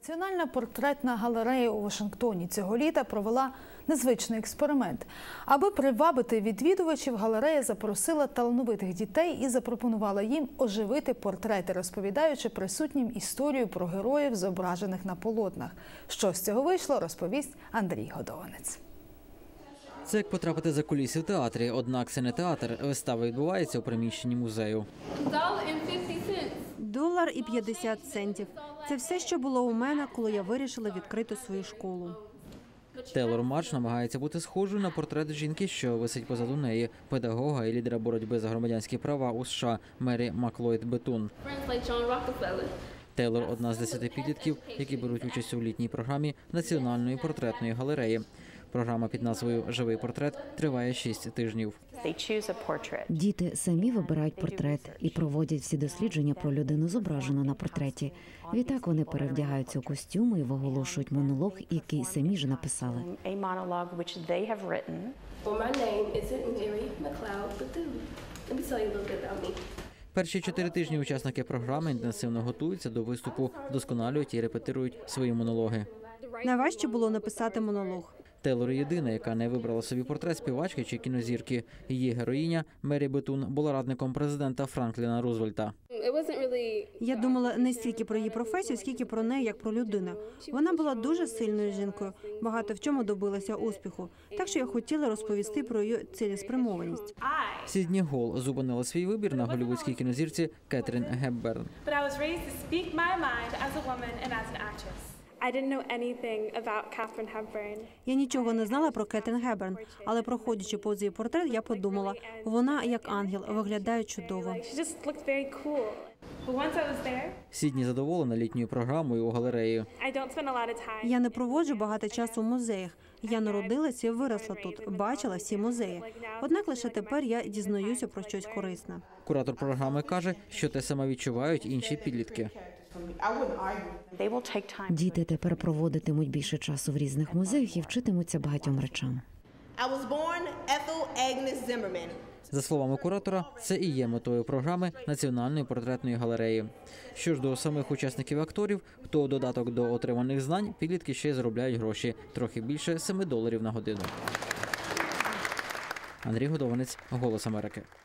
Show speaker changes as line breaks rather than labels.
Національна портретна галерея у Вашингтоні цього літа провела незвичний експеримент. Аби привабити відвідувачів, галерея запросила талановитих дітей і запропонувала їм оживити портрети, розповідаючи присутнім історію про героїв, зображених на полотнах. Що з цього вийшло, розповість Андрій Годованець.
Це як потрапити за куліси в театрі, однак це не театр. Вистава відбувається у приміщенні музею.
$1.50. Це все, що було у мене, коли я вирішила відкрити свою школу.
Тейлор Марш намагається бути схожою на портрет жінки, що висить позаду неї, педагога і лідера боротьби за громадянські права у США Мері Маклойд Бетун. Тейлор – одна з 10 підлітків, які беруть участь у літній програмі Національної портретної галереї. Програма під назвою «Живий портрет» триває 6 тижнів.
Діти самі вибирають портрет і проводять всі дослідження про людину, зображену на портреті. Відтак вони перевдягаються у костюми і виголошують монолог, який самі ж написали.
Перші 4 тижні учасники програми інтенсивно готуються до виступу, вдосконалюють і репетирують свої монологи.
Найважче було написати монолог.
Тейлор єдина, яка не вибрала собі портрет співачки чи кінозірки. Її героїня Мері Бетун була радником президента Франкліна Рузвельта.
Я думала не стільки про її професію, скільки про неї, як про людину. Вона була дуже сильною жінкою, багато в чому добилася успіху. Так що я хотіла розповісти про її цілеспрямованість.
Сідні Гол зупинила свій вибір на голлівудській кінозірці Кетрін Гепберн.
Я нічого не знала про Кетрін Гепберн, але проходячи повз її портрет, я подумала, вона як ангел, виглядає чудово.
Сідні задоволена літньою програмою у галереї.
Я не проводжу багато часу в музеях. Я народилася і виросла тут, бачила всі музеї. Однак лише тепер я дізнаюся про щось корисне.
Куратор програми каже, що те саме відчувають інші підлітки.
Діти тепер проводитимуть більше часу в різних музеях і вчитимуться багатьом речам.
За словами куратора, це і є метою програми Національної портретної галереї. Що ж до самих учасників і акторів, то у додаток до отриманих знань підлітки ще й заробляють гроші – трохи більше $7 на годину. Андрій Годованець, «Голос Америки».